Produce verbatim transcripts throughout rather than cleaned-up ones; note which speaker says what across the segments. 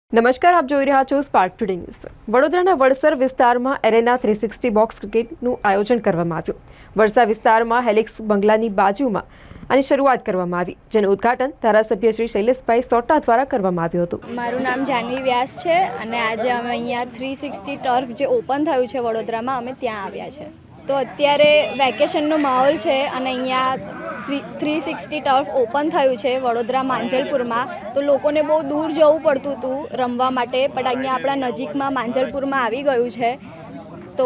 Speaker 1: નમસ્કાર, આપ જોઈ રહ્યા છો સ્પાર્ક ટુડે ન્યૂઝ. વડોદરાના વડસર વિસ્તારમાં એરેના થ્રી સિક્સટી બોક્સ ક્રિકેટનું આયોજન કરવામાં આવ્યું. વડસર વિસ્તારમાં હેલિક્સ બંગલાની બાજુમાં આની શરૂઆત કરવામાં આવી, જેનું ઉદ્ઘાટન ધારાસભ્ય શ્રી શૈલેષભાઈ સોટા દ્વારા કરવામાં આવ્યું હતું.
Speaker 2: મારું નામ જાનવી વ્યાસ છે અને આજે અમે અહીંયા થ્રી સિક્સટી ટર્ફ જે ઓપન થયું છે વડોદરામાં, અમે ત્યાં આવ્યા છે. તો અત્યારે વેકેશનનો માહોલ છે અને અહીંયા થ્રી સિક્સટી ટર્ફ ઓપન થયું છે વડોદરા માંજલપુરમાં. તો લોકોને બહુ દૂર જવું પડતું હતું રમવા માટે, પણ અહીંયા આપણા નજીકમાં માંજલપુરમાં આવી ગયું છે. તો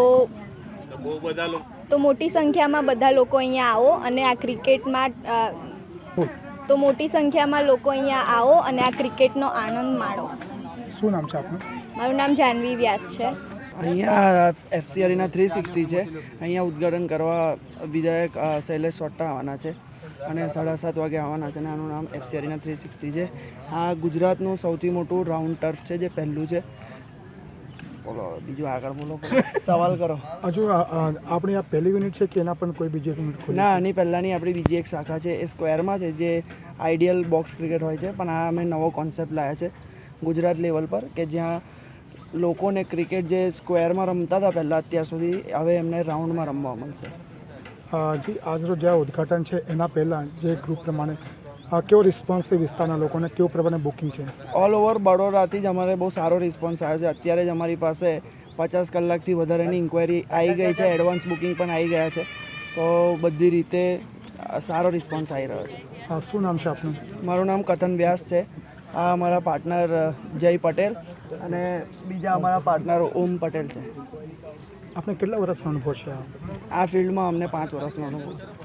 Speaker 2: તો મોટી સંખ્યામાં બધા લોકો અહીંયા આવો અને આ ક્રિકેટમાં તો મોટી સંખ્યામાં લોકો અહીંયા આવો અને આ ક્રિકેટનો આનંદ માણો.
Speaker 3: શું નામ છે આપનું?
Speaker 2: મારું નામ જાનવી વ્યાસ છે.
Speaker 4: અહીંયા એફસી અરીના થ્રી સિક્સટી છે. અહીંયા ઉદ્ઘાટન કરવા વિધાયક શૈલેષ સોટા આવવાના છે અને સાડા સાત વાગે આવવાના છે અને આનું નામ એફસી અરીના થ્રી સિક્સટી છે. આ ગુજરાતનું સૌથી મોટું રાઉન્ડ ટર્ફ છે, જે પહેલું છે. બોલો બીજું આગળ બોલો, સવાલ કરો.
Speaker 3: હજુ આપણી આ પહેલી યુનિટ છે કે એના પણ કોઈ બીજી યુનિટ ખોલી?
Speaker 4: ના, આની પહેલાંની આપણી બીજી એક શાખા છે, એ સ્ક્વેરમાં છે, જે આઈડિયલ બોક્સ ક્રિકેટ હોય છે. પણ આ અમે નવો કોન્સેપ્ટ લાવ્યા છે ગુજરાત લેવલ પર, કે જ્યાં લોકોને ક્રિકેટ જે સ્ક્વેરમાં રમતા હતા પહેલાં અત્યાર સુધી, હવે એમને રાઉન્ડમાં રમવા મળશે.
Speaker 3: જી, આજનું જે ઉદ્ઘાટન છે એના પહેલાં જે ગ્રુપ પ્રમાણે કેવો રિસ્પોન્સ છે વિસ્તારના લોકોને, કેવું પ્રમાણે બુકિંગ છે?
Speaker 4: ઓલ ઓવર બરોડાથી જ અમારે બહુ સારો રિસ્પોન્સ આવ્યો છે. અત્યારે જ અમારી પાસે પચાસ કલાકથી વધારેની ઇન્ક્વાયરી આવી ગઈ છે, એડવાન્સ બુકિંગ પણ આવી ગયા છે. તો બધી રીતે સારો રિસ્પોન્સ આવી રહ્યો છે.
Speaker 3: શું નામ છે આપનું?
Speaker 4: મારું નામ કથન વ્યાસ છે. આ અમારા પાર્ટનર જય પટેલ અને બીજા અમારા પાર્ટનર ઓમ પટેલ છે.
Speaker 3: આપણે કેટલા વર્ષનો અનુભવ છે
Speaker 4: આ ફિલ્ડમાં? અમને પાંચ વર્ષનો અનુભવ છે.